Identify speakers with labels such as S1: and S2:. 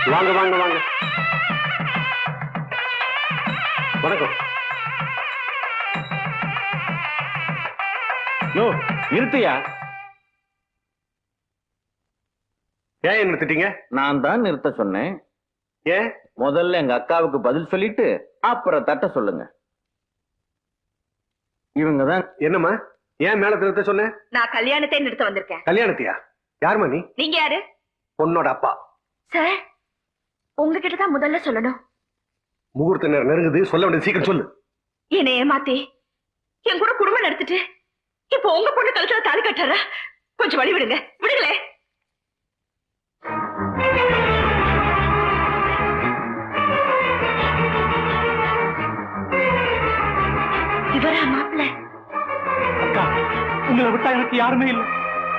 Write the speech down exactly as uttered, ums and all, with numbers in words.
S1: வாங்க வாங்க வாங்க. வணக்கம். யோ நிறுத்தியா? ஏன் நிறுத்திட்டீங்க?
S2: நான் தான் நிறுத்த சொன்னேன்.
S1: ஏன்?
S2: முதல்ல எங்க அக்காவுக்கு பதில் சொல்லிட்டு அப்புறம் தட்ட சொல்லுங்க. இவங்கதான்.
S1: என்னம்மா ஏன் மேல நிறுத்த சொன்ன?
S3: நான் கல்யாணத்தை நிறுத்த வந்திருக்கேன்.
S1: கல்யாணத்தையா? யாருமா நீ?
S3: நீங்க யாரு?
S1: பொண்ணோட அப்பா.
S3: சார் உங்ககிட்ட தான் முதல்ல சொல்லணும்.
S1: முகூர்த்த நேரம் நெருங்குது, சொல்ல வேண்டியது சீக்கிரம் சொல்லு.
S3: என்னை ஏமாத்தி என் கூட குடும்பம் நடத்திட்டு இப்போ உங்க பொண்ணு கழுத்துல தாலி கட்டாரா? கொஞ்சம் வழி விடுங்க, விடுங்களே. இவரா மாப்பிள்ள?
S4: அக்கா, உங்களை விட்டா எனக்கு யாருமே இல்லை.